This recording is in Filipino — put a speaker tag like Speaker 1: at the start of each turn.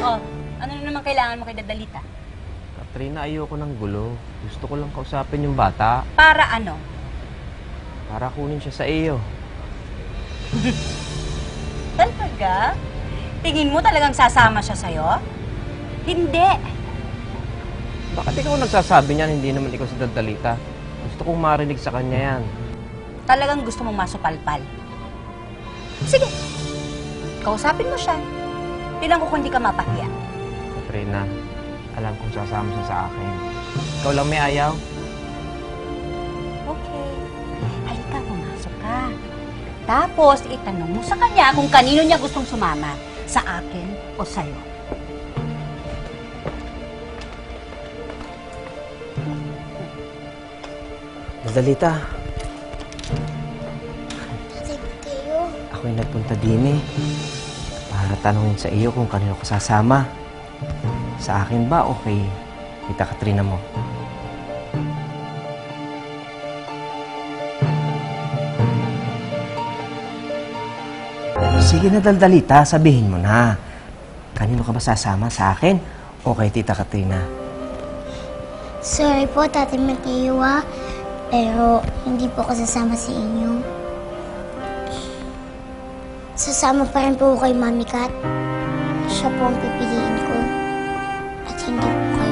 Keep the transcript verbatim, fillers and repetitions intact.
Speaker 1: Oh, ano na naman kailangan mo kay Dadalita?
Speaker 2: Katrina, ayoko ng gulo. Gusto ko lang kausapin yung bata
Speaker 1: Para ano?
Speaker 2: para kunin siya sa iyo.
Speaker 1: Talaga? Tingin mo talagang sasama siya sa'yo? Hindi.
Speaker 2: Bakit ikaw nagsasabi niyan, hindi naman ikaw si Dadalita? Gusto kong marinig sa kanya yan.
Speaker 1: Talagang gusto mong masupalpal. Sige. Kausapin mo siya. Tinan ko kung hindi ka mapahiya.
Speaker 2: Katrina, alam kong sasama siya sa akin. Ikaw lang may ayaw?
Speaker 1: Okay. Halika, pumasok ka. Tapos, itanong mo sa kanya kung kanino niya gustong sumama. Sa akin o sa'yo.
Speaker 2: Dadalita,
Speaker 3: Ate Mateo,
Speaker 2: ako'y nagpunta din eh. Para tanungin sa iyo kung kanino ka sasama. Sa akin ba o kay Tita Katrina mo? Sige na, Dadalita, sabihin mo na. Kanino ka ba sasama? Sa akin o kay Tita Katrina?
Speaker 3: sorry po, Tate Mateo, ah. Pero hindi po ako sasama sa inyo. Sasama pa rin po ako kay Mami Kat. Siya po ang pipiliin ko. At hindi po